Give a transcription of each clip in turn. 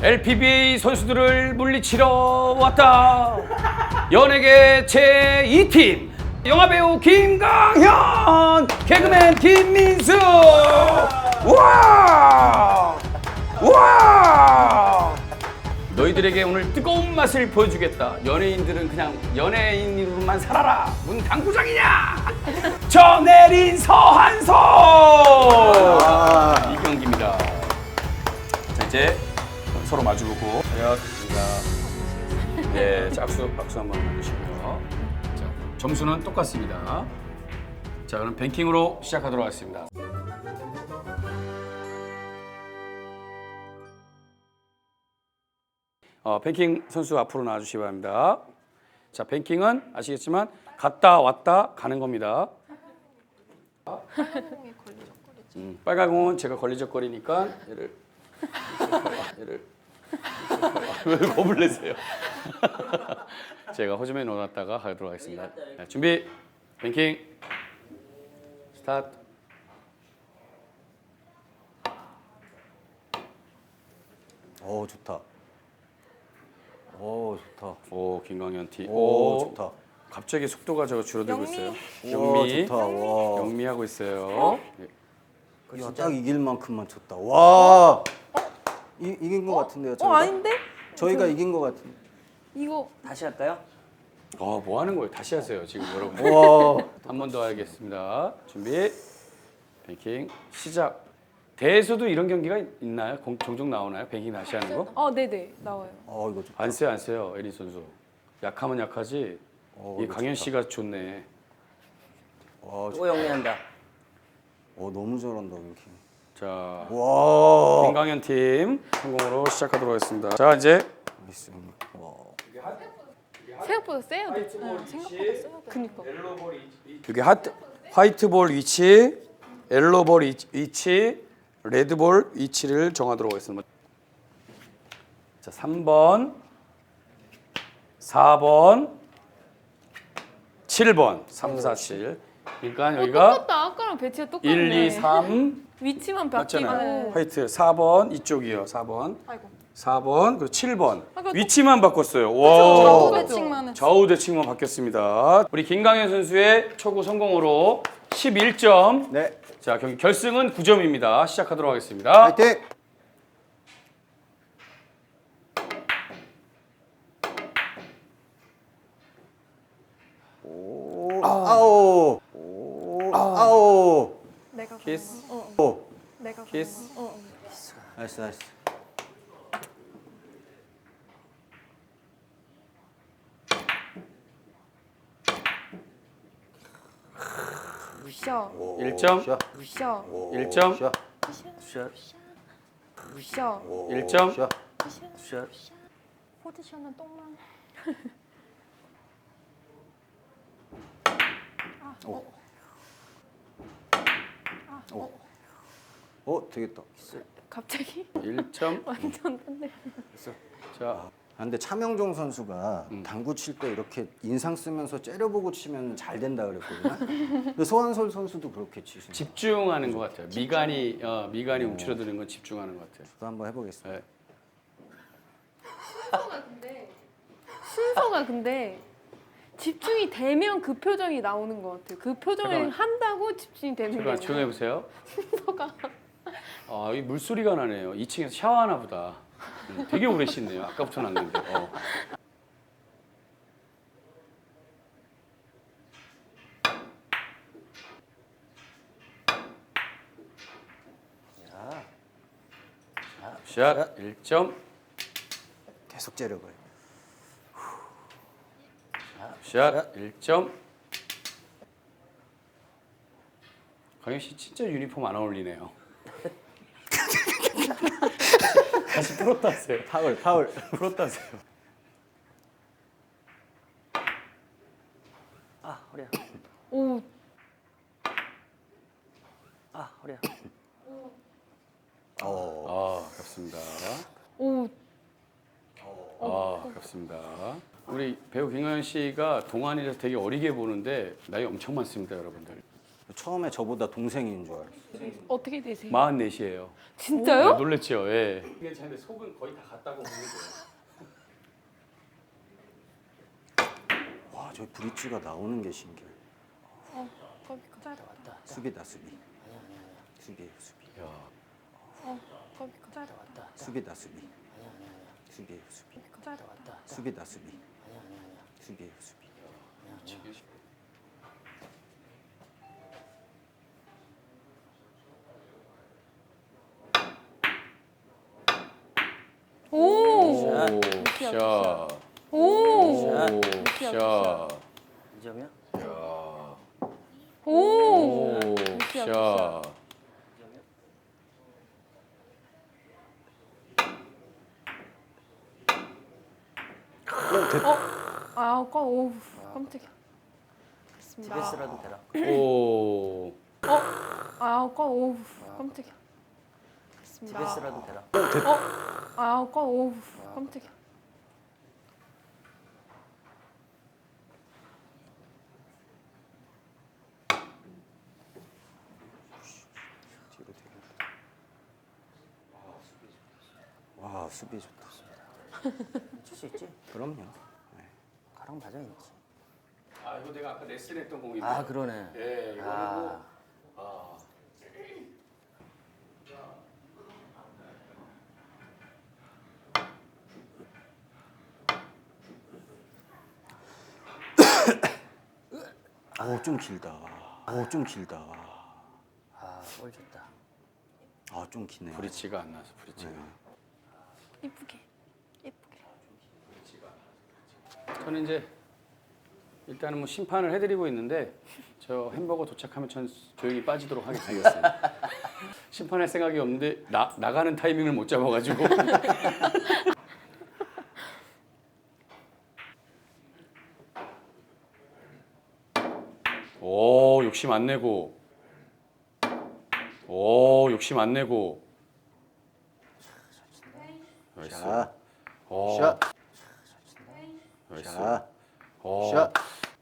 LPBA 선수들을 물리치러 왔다. 연예계 제2팀 영화배우 김강현, 개그맨 김민수. 우와! 우와! 너희들에게 오늘 뜨거운 맛을 보여주겠다. 연예인들은 그냥 연예인으로만 살아라. 문 당구장이냐? 전혜린, 서한솔. 이 경기입니다. 자, 이제 서로 마주보고. 반갑습니다. 네, 짝수 박수 한번 해주시고요. 자, 점수는 똑같습니다. 자, 그럼 뱅킹으로 시작하도록 하겠습니다. 뱅킹 선수 앞으로 나와주시기 바랍니다. 자, 뱅킹은 아시겠지만 갔다 왔다 가는 겁니다. 빨간 공은 제가 걸리적거리니까 얘를 왜 겁을 내세요? 제가 호주머니에 넣어놨다가 가도록 하겠습니다. 네, 준비, 뱅킹, 스타트. 오 좋다. 오 좋다. 오, 김광현 티. 오 좋다. 갑자기 속도가 저거 줄어들고 영미. 있어요. 와 영미, 좋다. 와. 영미하고 있어요. 야, 딱 이길 만큼만 쳤다. 와. 이긴 것 같은데요. 저희가? 아닌데? 저희가 이긴 것 같은데. 이거 다시 할까요? 뭐 하는 거예요? 다시 하세요, 지금 여러분. 와. 한 번 더 하겠습니다. 준비, 뱅킹, 시작. 대회에서도 이런 경기가 있나요? 종종 나오나요? 뱅킹 다시 하는 거? 네네 나와요. 이거 좋다. 안 써요, 에린 선수. 약하면 약하지. 이 이거 강현 좋다. 씨가 좋네. 와, 또 영리한다. 너무 잘한다 뱅킹. 자, 와. 김강현 팀 성공으로 시작하도록 하겠습니다. 자, 이제 미스. 와. 생각보다 세야 돼. 생각보다 세야 돼. 그니까. 여기 화이트볼 위치, 옐로볼 위치, 레드볼 위치를 정하도록 하겠습니다. 자, 3번, 4번, 7번, 3, 4, 7. 그러니까 여기가 똑같다. 아까랑 배치가 똑같네. 1, 2, 3 위치만 바뀌고. 맞잖아요. 화이트 4번 이쪽이요. 4번. 아이고. 4번 그리고 7번. 아까 위치만 바꿨어요. 좌우 와. 배치만 했어. 좌우 대칭만 바뀌었습니다. 우리 김강현 선수의 초구 성공으로 11점. 네. 자, 경기 결승은 9점입니다. 시작하도록 하겠습니다. 화이팅. 오. 아오. 오. 아오. 내가 키스. 오. 내가 키스. 나이스 나이스. 샤. 1점. 샷. 샤. 1점. 샷. 샷, 샤. 1점. 샷. 샷. 포지션은 똥만. 되겠다. 갑자기 1점. 완전 딴데. 자, 근데 차명종 선수가 당구 칠 때 이렇게 인상 쓰면서 째려보고 치면 잘 된다 그랬거든요. 근데 소환솔 선수도 그렇게 치시는. 집중하는 것 같아요. 미간이 움츠러드는 건 집중하는 것 같아요. 저도 한번 해보겠습니다. 네. 순서가 근데 집중이 되면 그 표정이 나오는 것 같아요. 그 표정을 잠깐만. 한다고 집중이 되는 잠깐 거예요. 조용해 보세요. 순서가. 이 물소리가 나네요. 2층에서 샤워하나 보다. 되게 오래 씻네요. 아까부터 났는데. 샷 1점. 계속 째려봐요. 샷 1점. 강현 씨 진짜 유니폼 안 어울리네요. 다시 풀었다 하세요. 파울. 풀었다 하세요. 아, 허리야. 오. 아, 허리야. 아깝습니다. 오. 아깝습니다. 우리 배우 김강현 씨가 동안이라서 되게 어리게 보는데 나이 엄청 많습니다, 여러분들. 처음에 저보다 동생인 줄 알았어요. 어떻게 되세요? 44이에요. 진짜요? 놀랬죠. 예. 이게 근데 속은 거의 다 갔다고 보면 돼요. 와, 저 브릿지가 나오는 게 신기해. 거기 가. 수비다, 수비. 수비예요, 수비. 야. 거기 가. 수비다, 수비. 수비예요, 수비. 수비다, 수비. 수비예요, 수비. 오. 샷. 오. 샷. 2점이야? 오. 샷. 아, 오, 깜짝이야. 됐습니다. TBS라도 되라. 오. 아, 오, 깜짝이야. 됐습니다. TBS라도 되라. 아, 오, 깜짝이야. 뒤로 되겠다. 와, 수비 좋다. 칠 수 있지? 그럼요. 가랑 맞아 있지. 아, 이거 내가 아까 레슨했던 공인데. 아 그러네. 예, 이거 아. 아. 오, 좀 길다. 오, 좀 길다. 볼 좋다. 아, 좀 기네. 브릿지가 안 나서 브릿지가. 이쁘게. 예쁘게. 저는 이제 일단은 뭐 심판을 해드리고 있는데 저 햄버거 도착하면 전 조용히 빠지도록 하겠습니다. 심판할 생각이 없는데 나가는 타이밍을 못 잡아가지고. 오, 욕심 안 내고. 오, 욕심 안 내고. 나이스. 자, 오, 샷. 나이스. 자, 오. 샷.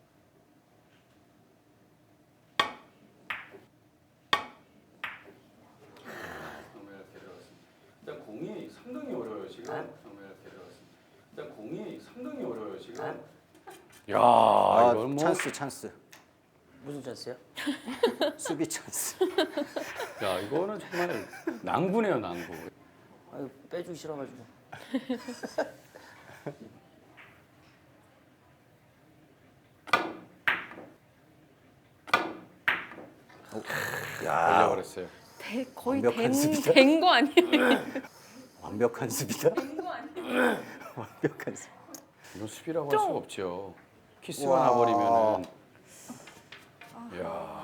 일단 공이 상당히 어려워요 지금. 일단 공이 상당히 어려워요 지금. 야, 아, 이건 뭐 찬스, 찬스. 무슨 찬스야? 수비 찬스. 야, 이거는 정말 낭구네요, 낭구. 아유 빼주기 싫어가지고. 야, 걸려버렸어요. 거의 완벽한 수비다. 된 거 아니에요? 완벽한 수비다. 된거 아니에요? 완벽한 수비. 이건 수비라고 할 좀. 수가 없죠. 키스가 와. 나버리면은. 야,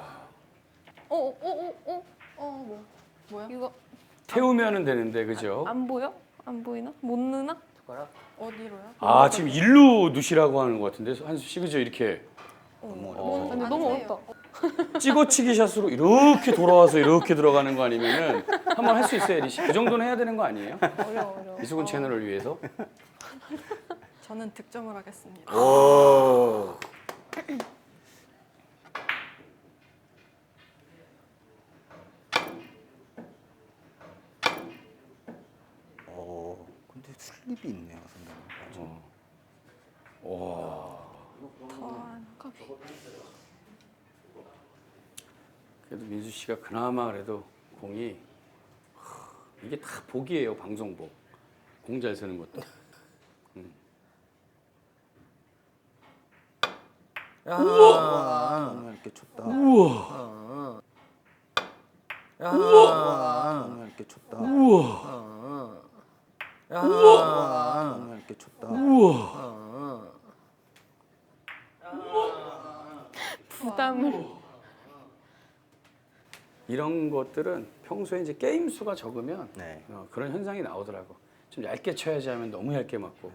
뭐야? 이거 태우면은 되는데 그죠? 안 보여? 안 보이나? 못 넣나? 숟가락. 어디로요? 아, 지금 일루 누시라고 하는 것 같은데 한수 씨 그죠? 이렇게 근데 너무 어렵다. 찍어치기 샷으로 이렇게 돌아와서 이렇게 들어가는 거 아니면은 한번 할 수 있어요, 에리 씨. 그 정도는 해야 되는 거 아니에요? 어려워. 이수근 채널을 위해서. 저는 득점을 하겠습니다. 오. 근데 슬립이 있네요, 선생님. 그래도 민수 씨가 그나마 그래도 공이 이게 다 복이에요, 방송복. 공 잘 쓰는 것도. 야. 오늘 이렇게 쳤다. 우와. 야. 오늘 이렇게 쳤다. 우와. 야. 오늘 이렇게 쳤다. 우와. 부담을. 이런 것들은 평소에 이제 게임 수가 적으면 네. 그런 현상이 나오더라고. 좀 얇게 쳐야지 하면 너무 얇게 맞고.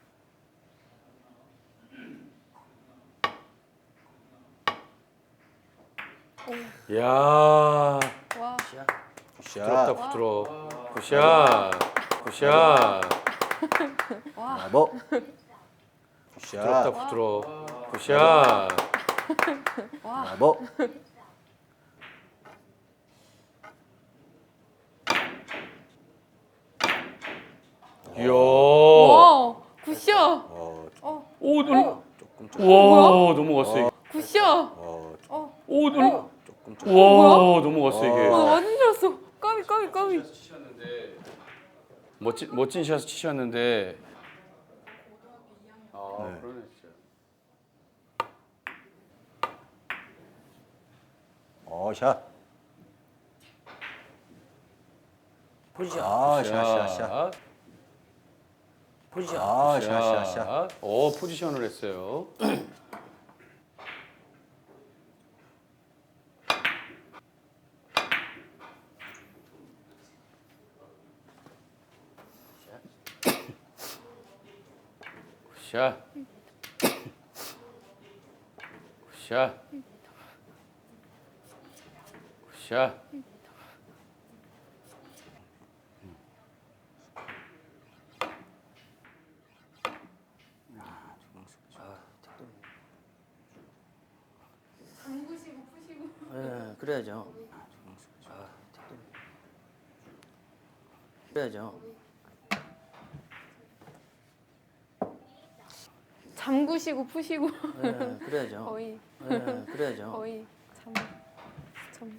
야, 와. 샷. 부드럽다 샷. 부드러워. 굿샷. 굿샷. 브라보. 부드럽다 샷. 부드러워. 굿샷. 브라보. 이야. 와, 굿샷. 오, 너무. 조금 와, 넘어갔어 이게. 굿샷. 오, 너무. 조금 와, 넘어갔어 이게. 완전 줄 알았어. 까비, 까비, 까비. 멋진 샷 치셨는데. 아, 네. 그러네 진짜. 샷. 포지션. 샷. 포지션. 샷. 포지션을 했어요. 샷. 샷. 샷. 잠그시고 푸시고. 예, 그래야죠. 그래야죠. 잠그시고 푸시고. 예, 그래야죠. 거의, 예, 그래야죠. 거의 참.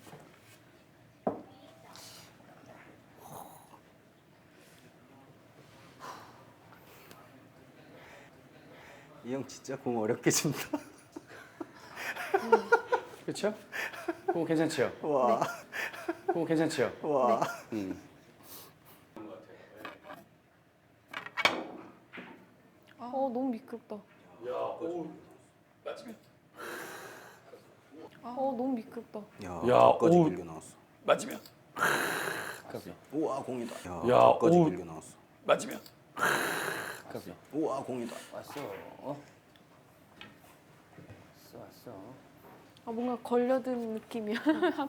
이 형 진짜 공 어렵게 친다. 그렇죠? 그거 괜찮지요? 와. 그거 괜찮지요? 와. 너무 미끄럽다. 너무 미끄럽다. 야, 야, 저까지 오. 길게 나왔어. 맞으면. 까비. 우와, 공이다. 야, 야, 저까지 오. 길게 나왔어. 맞으면. 까비. 우와, 공이다. 왔어. 왔어. 뭔가 걸려든 느낌이야. 괜찮아요.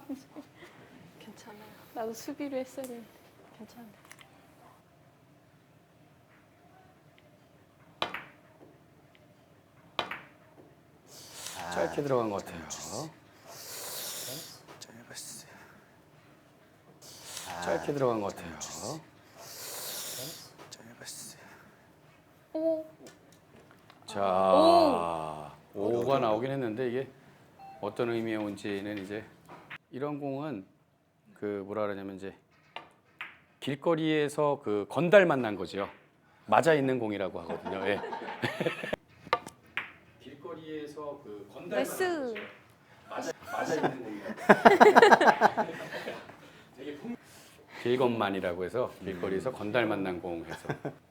나도 수비를 했어야 되는데. 괜찮아요. 짧게 들어간 것 같아요. 짧았어. 짧게 들어간 것 같아요. 짧았어. 오, 자, 5가 나오긴 했는데 이게 어떤 의미의 온지는 이제 이런 공은 그 뭐라 그러냐면 이제 길거리에서 그 건달 만난 거죠. 맞아 있는 공이라고 하거든요. 예. 길거리에서 그 건달 나이스. 맞아 있는 공이라고. 되게 길건만이라고 해서 길거리에서 건달 만난 공 해서.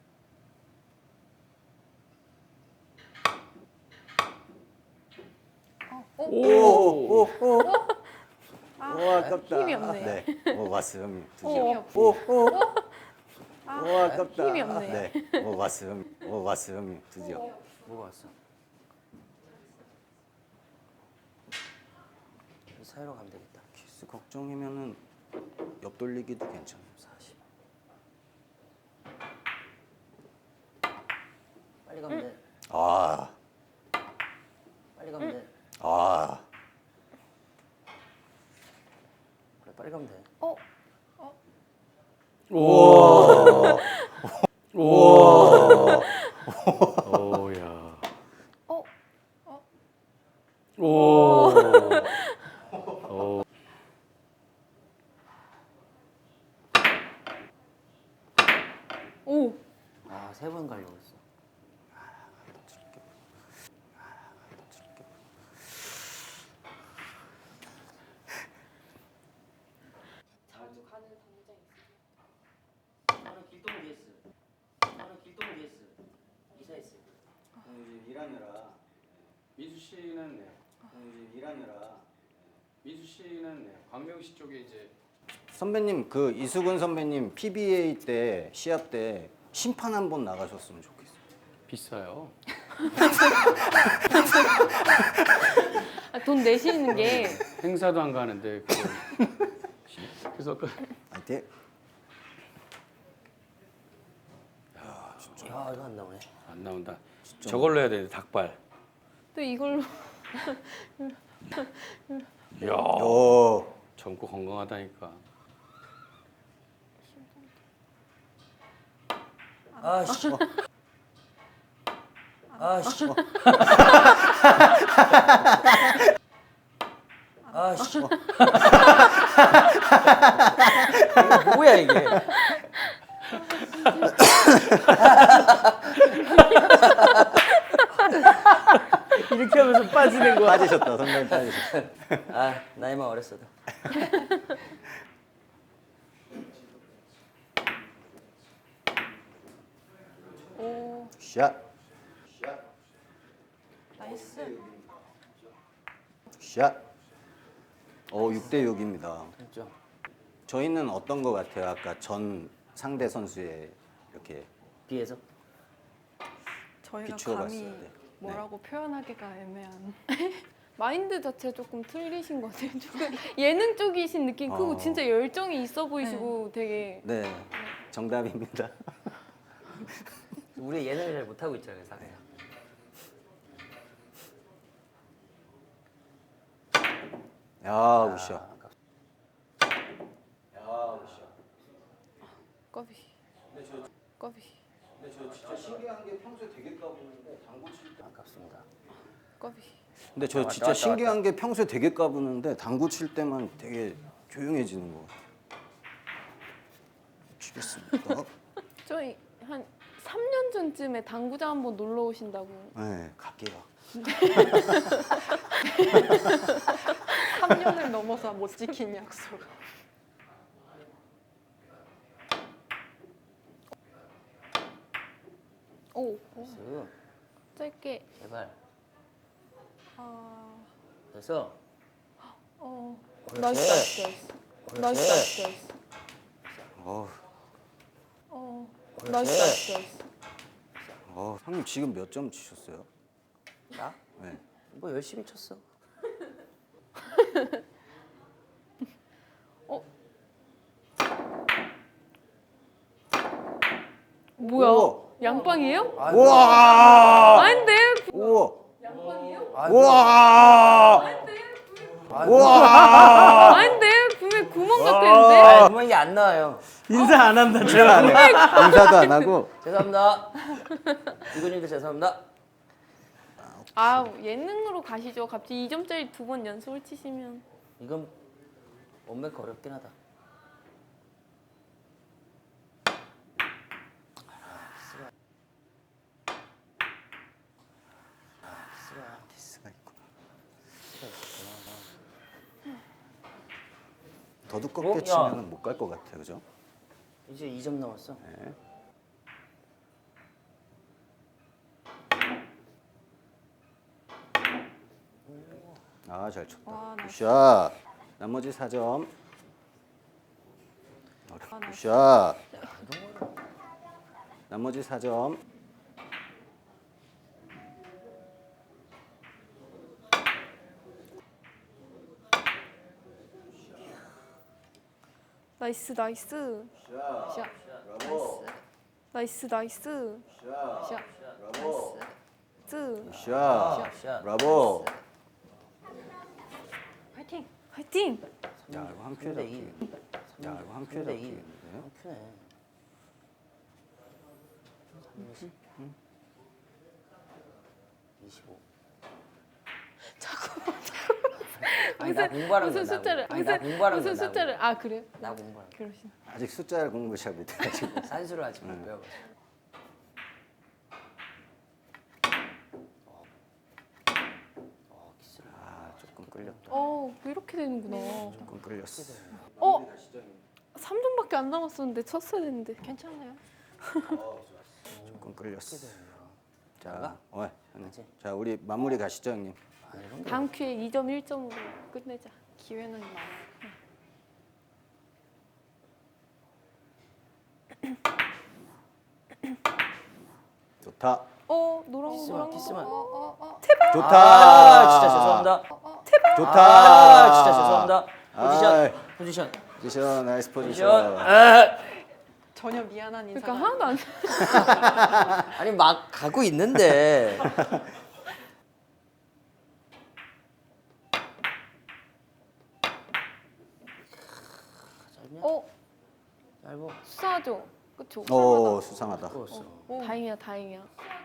오. 와, 아깝다. 힘이 없네. 네. 왔어요, 형님. 드디어. 힘이 없어. 와, 아깝다. 힘이 없네. 네. 왔어요, 형님. 왔어요, 형님. 드디어. 뭐가 왔어? 사이로 가면 되겠다. 키스 걱정이면은 옆 돌리기도 괜찮아요. 40. 빨리 가면 돼. 아, 빨리 가면 돼. 아. 그래, 빨리 가면 돼. 우와. 우와. 오야. 오. 오. 아, 3번 가려고 했어. 나는 길동 DS. 나는 길동 DS. 이사했어. 일하느라. 민수 씨는 네. 일하느라. 민수 씨는 네. 광명시 쪽에 이제 선배님 그 이수근 선배님 PBA 때 시합 때 심판 한 번 나가셨으면 좋겠어요. 비싸요. 돈 내시는 게 행사도 안 가는데 그걸. 그래서 그 아이팅. 야, 이거 안 나오네. 안 나온다. 저걸로 해야 돼. 닭발. 또 이걸로 이야. 오. 젊고 건강하다니까. 아씨. 아씨. 아씨. 이게 뭐야 이게? 이렇게 하면서 빠지는 거야. 빠지셨다. 선배님 빠지셨다. 아 나이만 어렸어도. 오, 샷. 나이스. 샷. 6대 6입니다. 그렇죠. 저희는 어떤 거 같아요? 아까 전 상대 선수의 이렇게 비해서. 저희가 비추어 감히 봤어요. 네. 뭐라고 표현하기가 애매한. 마인드 자체 조금 틀리신 것 같아요. 조금 예능 쪽이신 느낌 크고 어. 진짜 열정이 있어 보이시고 되게 네, 정답입니다. 우리 예능을 잘 못하고 있잖아요, 사실. 야, 우샤. 꺼비. 꺼비. 근데 저 진짜 신기한 게 평소에 되게 까부는데 당구 칠 때. 아깝습니다. 꺼비. 근데 저 왔다, 진짜 왔다, 신기한 게 평소에 되게 까부는데 당구 칠 때만 되게 조용해지는 거 같아요. 치겠습니다. 저희 한 3년 전쯤에 당구장 한번 놀러 오신다고. 네, 갈게요. 3년을 넘어서 못 지킨 약속. 오, 됐어. 짧게. 제발. 아, 됐어. 나이스, 나이스, 나이스. 나이스, 나이스, 나이스. 어, 나이스, 나이스, 나이스. 형님 지금 몇 점 치셨어요? 나? 네. 뭐 열심히 쳤어. 뭐야? 우와. 양빵이에요? 우와! 아닌데? 우와! 아, 우와! 우와! 아닌데? 분명 구멍 같았는데? 아, 구멍이 안 나와요. 인사 안 한다. 제가 안 해. 인사도 안 하고. 죄송합니다. 이근님도 죄송합니다. 아, 예능으로 가시죠. 갑자기 2점짜리 2번 연속을 치시면. 이건 원맥 어렵긴 하다. 디스가 있구나. 더 두껍게 야. 치면 못 갈 것 같아요, 그죠? 이제 2점 남았어. 네. 아, 잘 쳤다. 와, 나이스. 굿샷. 나머지 4점. 나이스. 굿샷. 나머지 4점. 나이스, 나이스. 샷. 나이스, 나이스. 샷. 브라보. 나이스. 굿샷. 샷. 브라보. 화이팅! 화이팅! 야, 이거 한 큐에 3대 2. 잡히겠는데? 야, 이거 한 큐에 3대 2. 잡히겠는데요? 한 큐네. 30. 25. 아니, 나 공부하는 무슨 거야, 나 숫자를 공부. 아니, 나 공부하는 무슨 거야, 나 숫자를 아 그래요? 나 공부하는 거. 그러시나? 아직 숫자를 공부 잘 못해가지고. 산수를 아직 못 배워가지고. 키스를. 아, 조금 끌렸다. 이렇게 되는구나. 조금 끌렸어. 3점밖에 안 남았었는데 쳤어야 됐는데. 괜찮아요? 조금 끌렸어. 자, 나가? 형님. 자, 우리 마무리 가시죠, 형님. 아, 이런 거. 다음 큐에 2점 1점으로 끝내자. 기회는 많아. 좋다. 노란 거 노란 거. 키스만. 좋다. 아, 진짜 죄송합니다. 좋다. 아, 진짜 죄송합니다. 포지션. 아이. 포지션. 포지션, 나이스 포지션. 포지션. 아. 전혀 미안한 인사가 그러니까 하나도 안. 아니 막 가고 있는데. 짧냐? 어 짧어. 수사하죠. 그쵸? 수상하다. 꼬웠어. 다행이야, 다행이야.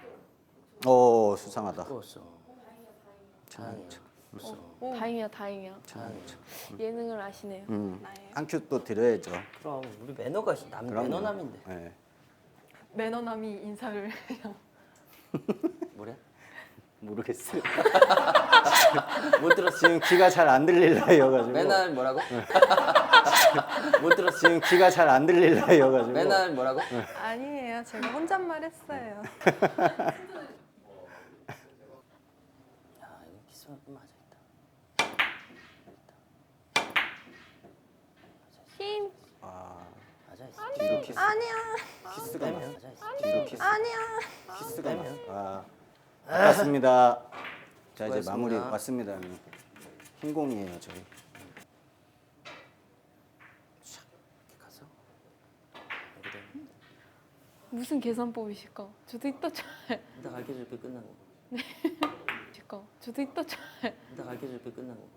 수상하다. 꼬웠어. 참. 꼬웠어. 다행이야, 다행이야. 예능을 아시네요. 한 큐 또 드려야죠. 그럼 우리 매너가 그럼요. 매너남인데. 네. 매너남이 인사를 해요. 뭐래? 모르겠어요. 못 들었어. 지금 귀가 잘 안 들릴 나이여가지고. 맨날 뭐라고? 못 들었어. 지금 귀가 잘 안 들릴 나이여가지고. 맨날 뭐라고? 아니에요. 제가 혼잣말 했어요. 야 이거 키스만 맞아 있다. 힘. 맞아 있어. 뒤로 키스. 아니야. 키스가 빼면 나. 맞아 있어. 뒤로 키스. 아니야. 키스가 나. 빼면. 아깝습니다. 자 이제 수고하셨습니다. 마무리 왔습니다. 형님. 흰공이에요 저희. 가서 여기 돼. 무슨 계산법이실까? 저도 이따 쳐야 이따 가르쳐줄 때 끝난 거. 될까? 저도 이따 쳐야 이따 가르쳐줄 때 끝난 거.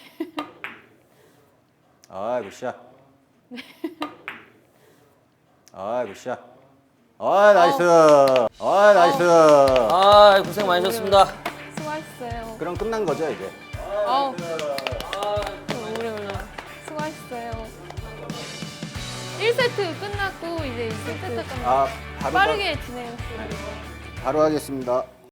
굿샷. 굿샷. 나이스. 나이스. 아 고생 많으셨습니다. 수고하셨어요. 그럼 끝난 거죠 이제. 아우. 오래. 수고하셨어요. 1세트 끝났고 이제 2세트 끝났고 바로 빠르게 진행했어요. 바로 하겠습니다.